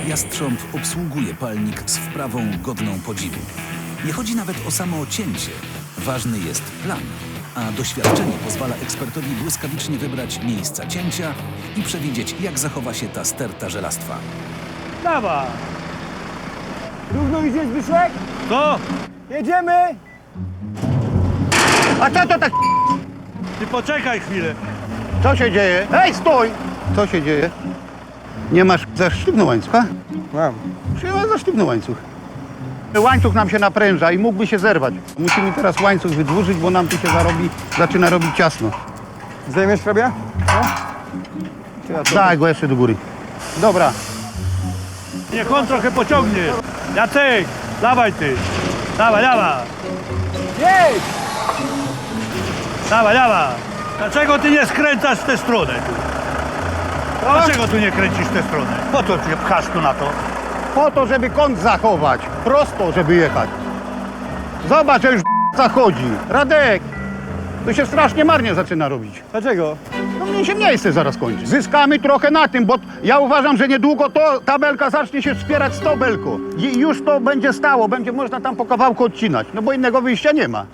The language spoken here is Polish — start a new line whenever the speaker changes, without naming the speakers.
Jastrząb obsługuje palnik z wprawą godną podziwu. Nie chodzi nawet o samo cięcie. Ważny jest plan, a doświadczenie pozwala ekspertowi błyskawicznie wybrać miejsca cięcia i przewidzieć, jak zachowa się ta sterta żelastwa.
Dawaj!
Równo idzie Zbyszek?
Co?
Jedziemy!
A co to tak?
Ty poczekaj chwilę.
Co się dzieje? Ej, stój! Co się dzieje? Nie masz za sztywny łańcuch, a?
Mam.
Czy masz za sztywny łańcuch? Łańcuch nam się napręża i mógłby się zerwać. Musimy teraz łańcuch wydłużyć, bo nam tu się zaczyna robić ciasno.
Zdejmiesz hrabia?
Daj go jeszcze do góry. Dobra.
Niech on trochę pociągnie. Jacek, dawaj ty. Dawaj, dawaj.
Jedź!
Dawaj, dawaj. Dlaczego ty nie skręcasz w tę stronę? Dlaczego tu nie kręcisz w tę stronę? Po co cię pchasz tu na to?
Po to, żeby kąt zachować. Prosto, żeby jechać. Zobacz, że już zachodzi. Radek, to się strasznie marnie zaczyna robić.
Dlaczego?
No mnie się miejsce zaraz kończy. Zyskamy trochę na tym, bo ja uważam, że niedługo to ta belka zacznie się wspierać z tą belką. I już to będzie stało, będzie można tam po kawałku odcinać, no bo innego wyjścia nie ma.